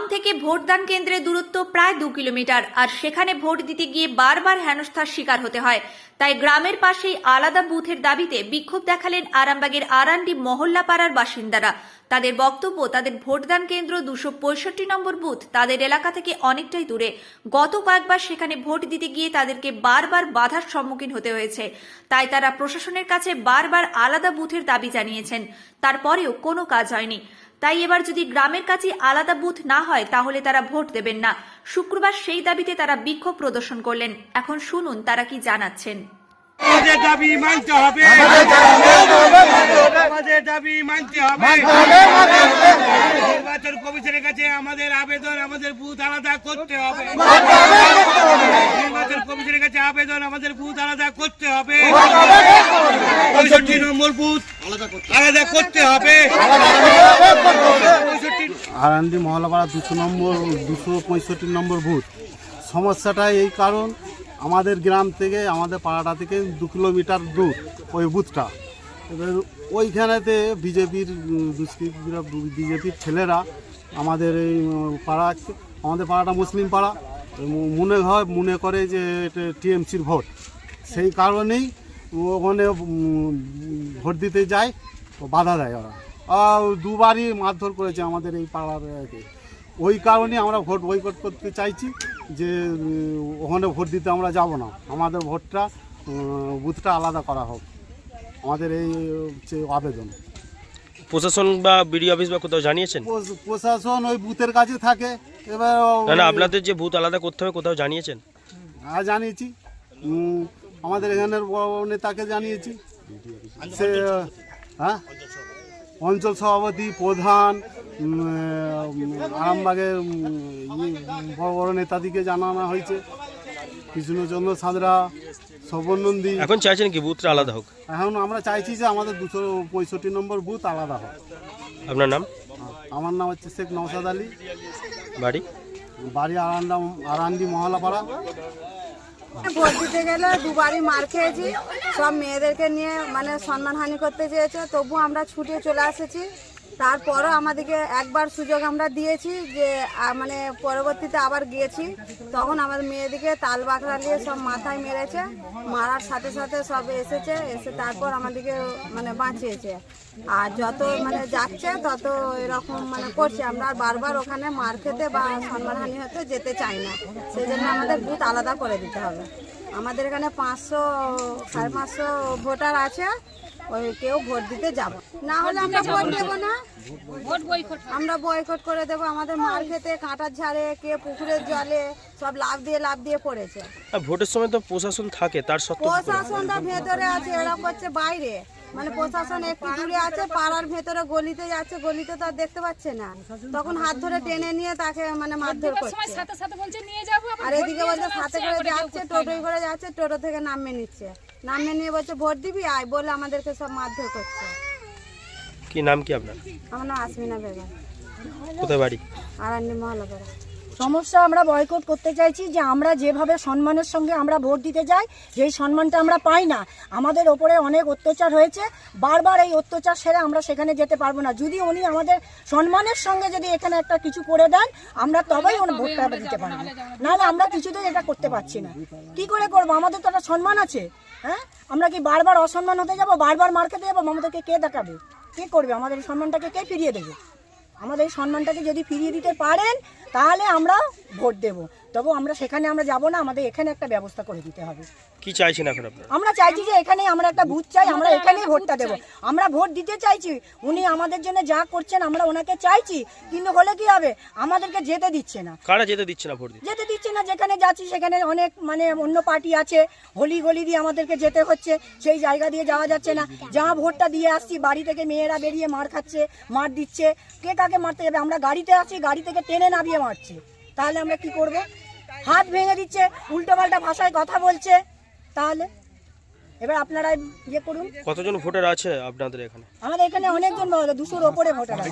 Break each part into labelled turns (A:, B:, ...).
A: থেকে ভোটদান কেন্দ্রের দূরত্ব প্রায় 2 কিলোমিটার, আর সেখানে ভোট দিতে গিয়ে বারবার হেনস্থার শিকার হতে হয়। তাই গ্রামের পাশেই আলাদা বুথের দাবিতে বিক্ষোভ দেখালেন আরামবাগের আরান্ডি মহল্লাপাড়ার বাসিন্দারা। তাদের বক্তব্য, তাদের ভোটদান কেন্দ্র 265 নম্বর বুথ তাদের এলাকা থেকে অনেকটাই দূরে। গত কয়েকবার সেখানে ভোট দিতে গিয়ে তাদেরকে বারবার বাধার সম্মুখীন হতে হয়েছে। তাই তারা প্রশাসনের কাছে বারবার আলাদা বুথের দাবি জানিয়েছেন, তারপরেও কোনো কাজ হয়নি। তাই এবার যদি গ্রামের কাছে আলাদা বুথ না হয় তাহলে তারা ভোট দেবেন না। শুক্রবার সেই দাবিতে তারা বিক্ষোভ প্রদর্শন করলেন। এখন শুনুন তারা কি জানাচ্ছেন।
B: আমাদের দাবি মানতে হবে, আমাদের দাবি মানতে হবে। নির্বাচন কমিশনের কাছে আমাদের আবেদন, আমাদের বুথ আলাদা করতে হবে। নির্বাচন কমিশনের কাছে আবেদন, আমাদের বুথ আলাদা করতে হবে। 65 নম্বর বুথ আলাদা করতে হবে।
C: আরান্ডি মহল্লাপাড়া 265 নম্বর বুথ। সমস্যাটা এই কারণ, আমাদের গ্রাম থেকে, আমাদের পাড়াটা থেকে 2 কিলোমিটার দূর ওই বুথটা। এবার ওইখানেতে বিজেপির ছেলেরা আমাদের এই আমাদের পাড়াটা মুসলিম পাড়া মনে করে যে এটা টিএমসির ভোট। সেই কারণেই ওখানে ভোট দিতে যায়, বাধা দেয় ওরা। দুবারই মারধর করেছে আমাদের এই পাড়ার। ওই কারণে আমরা ভোট বয়কট করতে চাইছি, যে ওখানে ভোট দিতে আমরা যাব না। আমাদের ভোটটা বুথটা আলাদা করা হোক, আমাদের এই হচ্ছে আবেদন।
D: প্রশাসন বা বিডিও অফিস বা কোথাও জানিয়েছেন?
C: প্রশাসন ওই বুথের কাছে থাকে। এবার
D: না, আপনাদের যে বুথ আলাদা করতে হবে কোথাও জানিয়েছেন?
C: হ্যাঁ, জানিয়েছি। আমাদের এখানের বড় নেতাকে জানিয়েছি। সে অঞ্চল সভাপতি, প্রধান, আরামবাগের বড় বড় নেতাদিকে জানানো হয়েছে। কৃষ্ণচন্দ্র সাঁতরা, শোভন নন্দী।
D: এখন চাইছেন কি বুথটা আলাদা হোক?
C: এখন আমরা চাইছি যে আমাদের 265 নম্বর বুথ আলাদা হোক।
D: আপনার নাম?
C: আমার নাম হচ্ছে শেখ নওশাদ আলী।
D: বাড়ি?
C: বাড়ি আরান্ডি মহল্লাপাড়া।
E: ভোট দিতে গেলে দুবারই মার খেয়েছি। সব মেয়েদেরকে নিয়ে মানে সম্মানহানি করতে চেয়েছে, তবু আমরা ছুটে চলে এসেছি। তারপরও আমাদেরকে একবার সুযোগ আমরা দিয়েছি, যে মানে পরবর্তীতে আবার গিয়েছি, তখন আমাদের মেয়েদিকে তাল বাকড়া নিয়ে সব মাথায় মেরেছে। মারার সাথে সাথে সব এসে তারপর আমাদেরকে মানে বাঁচিয়েছে। আর যত মানে যাচ্ছে তত এরকম মানে করছে। আমরা বারবার ওখানে মার খেতে বা সম্মানহানি হতে যেতে চাই না। সেই জন্য আমাদের বুথ আলাদা করে দিতে হবে। আমাদের এখানে 500-550 ভোটার আছে। ওই কেউ ভোট দিতে যাব না, হলে আমরা ভোট দেবো না। আমরা বয়কট করে দেবো। আমাদের মার খেতে, কাঁটার ঝাড়ে, কে পুকুরের জলে সব লাভ দিয়ে পড়েছে।
D: ভোটের সময় তো প্রশাসন থাকে, তার সত্ত্বেও
E: প্রশাসনটা ভেতরে আছে, এরা করছে বাইরে। মানে প্রশাসন একটু দূরে আছে, পাড়ার ভেতরে গলিতে যাচ্ছে, গলিতে তো আর দেখতে পাচ্ছে না। তখন হাত ধরে টেনে নিয়ে তাকে মানে মারধর করছে। আর এদিকে বলছে সাথে করে যাচ্ছে, টোটোয় করে যাচ্ছে, টোটো থেকে নামিয়ে নিচ্ছে। নামিয়ে নিয়ে বলছে ভোট দিবি আয় বলে আমাদেরকে সব মারধর করছে।
D: কি নাম কি আপনার?
E: আমার নাম আসমিনা বেগম।
D: কোথায় বাড়ি?
E: আরান্ডি মহল্লাপাড়া।
F: সমস্যা আমরা বয়কট করতে চাইছি, যে আমরা যেভাবে সম্মানের সঙ্গে আমরা ভোট দিতে যাই, যেই সম্মানটা আমরা পাই না। আমাদের ওপরে অনেক অত্যাচার হয়েছে, বারবার এই অত্যাচার সেরে আমরা সেখানে যেতে পারবো না। যদি উনি আমাদের সম্মানের সঙ্গে যদি এখানে একটা কিছু করে দেন, আমরা তবেই ওনার ভোটটা দিতে পারবো, নাহলে আমরা কিছুতেই এটা করতে পারছি না। কি করে করবো? আমাদের তো একটা সম্মান আছে। হ্যাঁ, আমরা কি বারবার অসম্মান হতে যাবো, বারবার মার খেতে যাবো? আমাদেরকে কে দেখাবে, কে করবে? আমাদের এই সম্মানটাকে কে ফিরিয়ে দেবে? আমাদের এই সম্মানটাকে যদি ফিরিয়ে দিতে পারেন তাহলে আমরা ভোট দেব। তবু আমরা সেখানে আমরা যাব না, আমাদের এখানে একটা ব্যবস্থা করে দিতে হবে।
D: কি চাইছেন এখন আপনারা?
F: আমরা চাইছি যে এখানে আমরা একটা বুথ চাই, আমরা এখানেই ভোটটা দেব। আমরা ভোট দিতে চাইছি, উনি আমাদের জন্য যা করছেন আমরা ওনাকে চাইছি, কিন্তু হলে কি হবে, আমাদেরকে যেতে দিচ্ছে না।
D: কারা যেতে দিচ্ছে না ভোট দিতে?
F: যেতে দিচ্ছে না। যেখানে যাচ্ছি সেখানে অনেক মানে অন্য পার্টি আছে, গলি দিয়ে আমাদেরকে যেতে হচ্ছে, সেই জায়গা দিয়ে যাওয়া যাচ্ছে না। যা ভোটটা দিয়ে আসছি, বাড়ি থেকে মেয়েরা বেরিয়ে মার খাচ্ছে, মার দিচ্ছে। কে কাকে মারতে যাবে? আমরা গাড়িতে আছি, গাড়ি থেকে টেনে নামিয়ে মারছে। তাহলে আমরা কি করব? হাত ভেঙে দিচ্ছে, উল্টোপাল্টা ভাষায় কথা বলছে। তাহলে এবার আপনারা ইয়ে করুন।
D: কতজন ভোটার আছে আপনাদের এখানে?
F: আমাদের এখানে অনেকজন, 200-র ওপরে ভোটার আছে।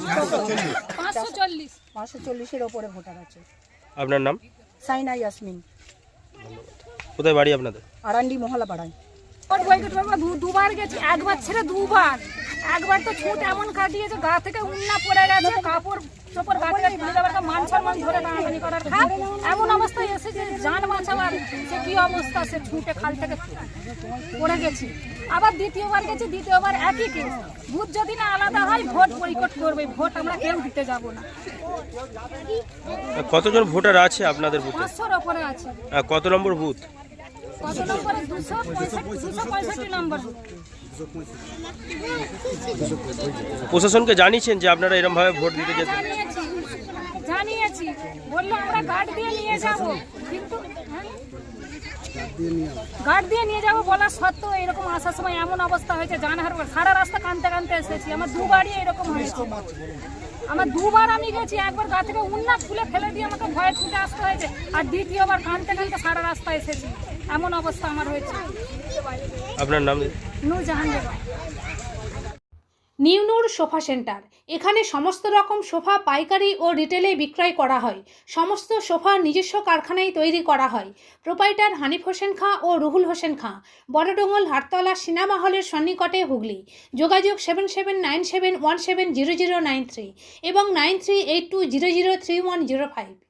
F: 540-এর ওপরে ভোটার আছে।
D: আপনার নাম?
F: সাইনা ইয়াসমিন।
D: কোথায় বাড়ি আপনাদের?
F: আরান্ডি মহল্লাপাড়ায়।
G: দুবার গেছি, একবার ছেড়ে দুবার। একবার তো ছুট এমন কাটিয়েছে, গা থেকে উন্না পড়ে গেছে, কাপড় চোপড় গা থেকে তুলে দেওয়ার, মান সম্মান ধরে টানাটানি করার খাপ এমন অবস্থায় এসে যে যান বাঁচাবার সে কি অবস্থা, সে ছুটে খাল থেকে পড়ে গেছে। আবার দ্বিতীয়বার গেছি, দ্বিতীয়বার একই কেস। বুথ যদি না আলাদা হয় ভোট বয়কট করবে, ভোট আমরা কেউ দিতে যাব না।
D: কতজন ভোটার আছে আপনাদের বুথে?
G: 500-র ওপরে আছে।
D: কত নম্বর বুথ?
G: কত নম্বরে? 265 নম্বর।
D: প্রশাসনকে জানিয়েছেন যে আপনারা এরকম ভাবে ভোট দিতে যেতে?
G: জানিয়েছি, বললো আমরা গার্ড দিয়ে নিয়ে যাব, কিন্তু গার্ড দিয়ে নিয়ে যাবো বলার সত্ত্বেও এরকম আসার সময় এমন অবস্থা হয়েছে, জানহার সারা রাস্তা কানতে কানতে এসেছি। আমার দুবারই এরকম হয়েছে, আমার দুবার আমি গেছি, একবার গা থেকে উন্না খুলে ফেলে দিয়ে আমাকে ভয়ে ছুটে আসতে হয়েছে, আর দ্বিতীয়বার কানতে কানতে সারা রাস্তা এসেছি। এমন অবস্থা আমার হয়েছে।
D: আপনার নাম?
G: Nurjahan Begum.
H: New Noor sofa centre, এখানে সমস্ত রকম সোফা পাইকারি ও রিটেলে বিক্রয় করা হয়। সমস্ত সোফা নিজস্ব কারখানায় তৈরি করা হয়। প্রোপাইটার হানিফ হোসেন খাঁ ও রুহুল হোসেন খাঁ, বড়ডোঙ্গল হাটতলা সিনেমা হলের সন্নিকটে, হুগলি। যোগাযোগ 7797170093 এবং 9382003105।